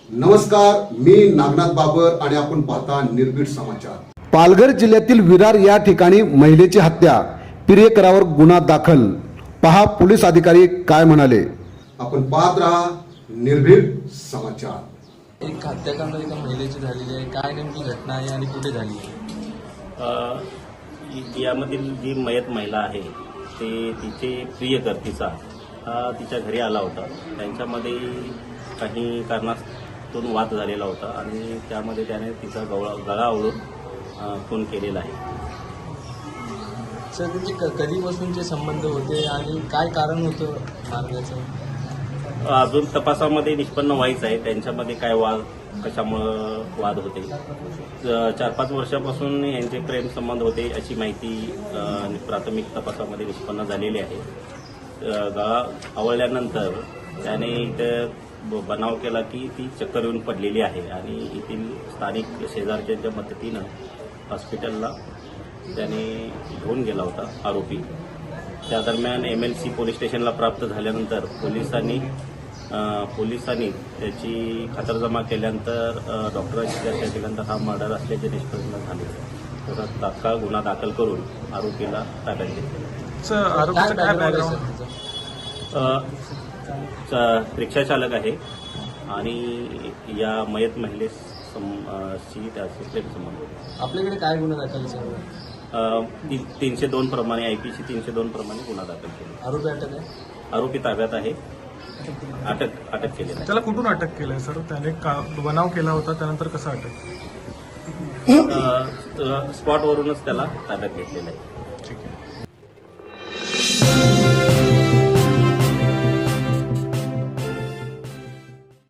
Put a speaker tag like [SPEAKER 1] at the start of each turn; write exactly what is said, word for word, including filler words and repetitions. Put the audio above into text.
[SPEAKER 1] नमस्कार, मी नागनाथ बाबर आणि आपण पाहता निर्भीड समाचार।
[SPEAKER 2] पालघर जिल्ह्यातील विरार या ठिकाणी महिलेची हत्या, प्रियकरावर गुन्हा दाखल। पहा पोलीस अधिकारी काय म्हणाले।
[SPEAKER 1] आपण पाहत रहा निर्भीड समाचार।
[SPEAKER 3] एक हत्याकांड एका महिलेची झालेली आहे, काय नेमकी घटना आहे आणि कुठे झाली आहे?
[SPEAKER 4] यामधील जी मयत महिला आहे ते तिचे प्रियकर्तीचा हा तिच्या घरी आला होता। त्यांच्यामध्ये काही कारणास्तून वाद झालेला होता आणि त्यामध्ये त्याने तिचा गळा गळा आवळून खून केलेला आहे।
[SPEAKER 3] सर, त्यांचे क- कधीपासूनचे संबंध होते आणि काय कारण होतं मारण्याचं?
[SPEAKER 4] अजून तपासामध्ये निष्पन्न व्हायचं आहे त्यांच्यामध्ये काय वाद, कशामुळं वाद होते। चार पाच वर्षापासून यांचे प्रेम संबंध होते अशी माहिती अ, प्राथमिक तपासामध्ये निष्पन्न झालेली आहे। अ, गळा आवळल्यानंतर त्याने इथे ब- बनाव केला की ती चक्कर येऊन पडलेली आहे आणि येथील स्थानिक शेजारच्यांच्या मदतीनं हॉस्पिटलला त्याने घेऊन गेला होता आरोपी। त्या दरम्यान एम एल सी पोलीस स्टेशनला प्राप्त झाल्यानंतर पोलिसांनी अ, पोलिसांनी त्याची खातरजमा केल्यानंतर अ, डॉक्टरांची चर्चा केल्यानंतर हा मर्डर असल्याचे निष्पन्न झाले। तर तात्काळ गुन्हा दाखल करून आरोपीला ताब्यात घेतले।
[SPEAKER 3] सर, आरोपीचं काय background आहे त्याचं?
[SPEAKER 4] रिक्षा चालक आहे आणि या मयत महिलेस सम- अ, शी त्याचे प्रेम संबंध होते।
[SPEAKER 3] आपल्याकडे काय गुन्हा दाखल सर?
[SPEAKER 4] अ, ती- तीनशे दोन प्रमाणे आयपीसी तीनशे दोन प्रमाणे गुन्हा दाखल केला।
[SPEAKER 3] आरोपी अटक आहे?
[SPEAKER 4] आरोपी ताब्यात आहे, अटक अटक केलेला आहे।
[SPEAKER 5] त्याला कुठून अटक केलंय सर? त्याने का बनाव केला होता, त्यानंतर कसं अटक?
[SPEAKER 4] अ, अ, स्पॉटवरूनच त्याला ताब्यात घेतलेलं आहे।